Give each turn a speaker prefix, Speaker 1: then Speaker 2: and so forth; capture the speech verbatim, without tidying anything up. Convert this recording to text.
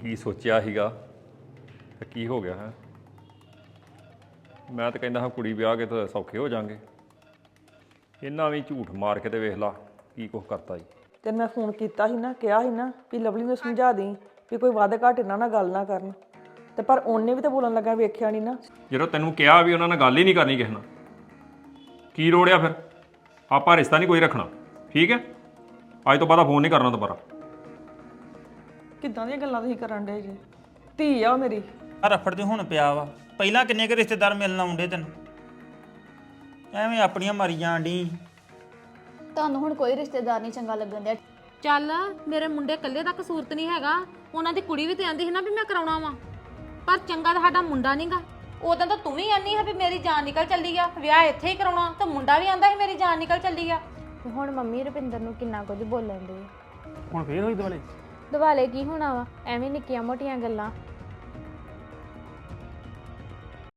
Speaker 1: ਕੀ ਸੋਚਿਆ ਸੀਗਾ ਤੇ ਕੀ ਹੋ ਗਿਆ ਹੈ। ਮੈਂ ਤਾਂ ਕਹਿੰਦਾ ਹਾਂ ਕੁੜੀ ਵਿਆਹ ਕੇ ਤਾਂ ਸੌਖੇ ਹੋ ਜਾਾਂਗੇ। ਇਹਨਾਂ ਵੀ ਝੂਠ ਮਾਰ ਕੇ ਤੇ ਵੇਖ ਲਾ ਕੀ ਕੁਛ ਕਰਤਾ ਜੀ।
Speaker 2: ਤੇ ਮੈਂ ਫੋਨ ਕੀਤਾ ਸੀ ਨਾ, ਕਿਹਾ ਸੀ ਨਾ ਵੀ ਲਵਲੀ ਨੂੰ ਸਮਝਾ ਦੇਈਂ ਵੀ ਕੋਈ ਵੱਧ ਘੱਟ ਇਹਨਾਂ ਨਾਲ ਗੱਲ ਨਾ ਕਰਨ, ਤੇ ਪਰ ਉਹਨੇ ਵੀ ਤਾਂ ਬੋਲਣ ਲੱਗਾ ਵੇਖਿਆ ਨਹੀਂ ਨਾ।
Speaker 1: ਜਦੋਂ ਤੈਨੂੰ ਕਿਹਾ ਵੀ ਉਹਨਾਂ ਨਾਲ ਗੱਲ ਹੀ ਨਹੀਂ ਕਰਨੀ ਕਿਸੇ ਨਾਲ, ਕੀ ਰੋੜਿਆ ਫਿਰ? ਆਪਾਂ ਰਿਸ਼ਤਾ ਨਹੀਂ ਕੋਈ ਰੱਖਣਾ, ਠੀਕ ਹੈ? ਅੱਜ ਤੋਂ ਬਾਅਦ ਫੋਨ ਨਹੀਂ ਕਰਨਾ ਦੁਬਾਰਾ।
Speaker 2: ਕਿੱਦਾਂ ਦੀਆਂ ਗੱਲਾਂ ਤੁਸੀਂ ਕਰਨ ਡੇ ਜੀ? ਧੀ ਆ ਉਹ ਮੇਰੀ।
Speaker 3: ਆ ਰਫੜ ਤੇ ਹੁਣ ਪਿਆ ਵਾ, ਪਹਿਲਾਂ ਕਿੰਨੇ ਕੁ ਰਿਸ਼ਤੇਦਾਰ ਮਿਲਣ ਆਉਂਦੇ ਤੈਨੂੰ, ਐਵੇਂ ਆਪਣੀਆਂ ਮਾਰੀ ਜਾਣ ਡੀ।
Speaker 4: ਤੁਹਾਨੂੰ ਹੁਣ ਕੋਈ ਰਿਸ਼ਤੇਦਾਰ ਨਹੀਂ ਚੰਗਾ ਲੱਗਣ ਡਿਆ।
Speaker 5: ਚੱਲ ਮੇਰੇ ਮੁੰਡੇ ਇਕੱਲੇ ਦਾ ਕਸੂਰ ਤੇ ਨਹੀਂ ਹੈਗਾ, ਉਹਨਾਂ ਦੀ ਕੁੜੀ ਵੀ ਤੇ ਆਂਦੀ ਸੀ ਨਾ ਵੀ ਮੈਂ ਕਰਾਉਣਾ ਵਾ, ਪਰ ਚੰਗਾ ਤਾਂ ਸਾਡਾ ਮੁੰਡਾ ਨਹੀਂਗਾ। ਉਦੋਂ ਤਾਂ ਤੂੰ ਵੀ ਆਨੀ ਹੈ ਵੀ ਮੇਰੀ ਜਾਨ ਨਿਕਲ ਚੱਲੀ ਆ, ਵਿਆਹ ਇੱਥੇ ਹੀ ਕਰਾਉਣਾ, ਤੇ ਮੁੰਡਾ ਵੀ ਆਂਦਾ ਸੀ ਮੇਰੀ ਜਾਨ ਨਿਕਲ ਚੱਲੀ ਆ।
Speaker 6: ਹੁਣ ਮੰਮੀ ਰੁਪਿੰਦਰ ਨੂੰ ਕਿੰਨਾ ਕੁਝ ਬੋਲਣ ਦੇ।
Speaker 7: ਹੁਣ ਫੇਰ ਹੋਈ ਦੁਆਲੇ?
Speaker 6: ਦੁਆਲੇ ਕੀ ਹੋਣਾ ਵਾ, ਐਵੇਂ ਨਿੱਕੀਆਂ ਮੋਟੀਆਂ ਗੱਲਾਂ।